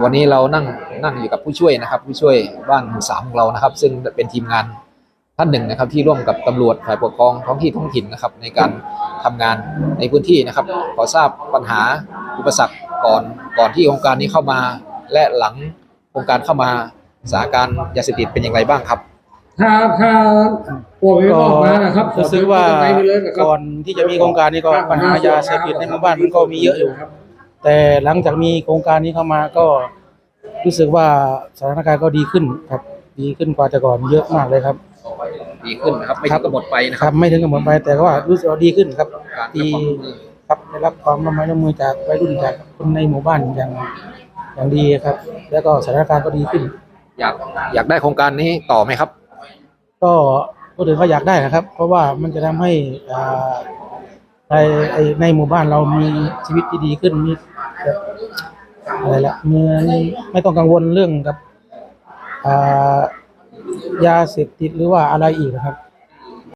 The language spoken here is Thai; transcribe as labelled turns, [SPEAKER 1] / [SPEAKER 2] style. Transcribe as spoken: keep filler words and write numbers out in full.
[SPEAKER 1] วันนี้เรานั่งนั่งอยู่กับผู้ช่วยนะครับผู้ช่วยบ้านหมู่สามของเรานะครับซึ่งเป็นทีมงานท่านหนึ่งนะครับที่ร่วมกับตำรวจฝ่ายปกครองท้องที่ท้องถิ่นนะครับในการทำงานในพื้นที่นะครับขอทราบปัญหาอุปสรรคก่อนก่อนที่โครงการนี้เข้ามาและหลังโครงการเข้ามาสถานการณ์ยาเสพติดเป็นอย่างไรบ้างครับ
[SPEAKER 2] ถ้าถ้าปวดออกมานะครับ
[SPEAKER 3] รู้สึกว่าก่อนที่จะมีโครงการนี้ก็ปัญหายาเสพติดในหมู่บ้านมันก็มีเยอะอยู่แต่หลังจากมีโครงการนี้เข้ามาก็รู้สึกว่าสถานการณ์ก็ดีขึ้นครับดีขึ้นกว่าแต่ก่อนเยอะมากเลยครับ
[SPEAKER 1] ดีขึ้นนะครับไม่ถึงกับหมดไปนะครับ
[SPEAKER 3] ไม่ถึงกับหมดไปแต่ว่ารู้สึกว่าดีขึ้นครับดีครับได้รับความร่วมมือร่วมมือจากวัยรุ่นจากคนในหมู่บ้านอย่างอย่างดีครับแล้วก็สถานการณ์ก็ดีขึ้น
[SPEAKER 1] อยากอยากได้โครงการนี้ต่อไหมครับ
[SPEAKER 3] ก็ก็ถือว่าอยากได้นะครับเพราะว่ามันจะทำให้ในในหมู่บ้านเรามีชีวิตที่ดีขึ้นมีอะไรละมีไม่ต้องกังวลเรื่องกับยาเสพติดหรือว่าอะไรอีกนะครับ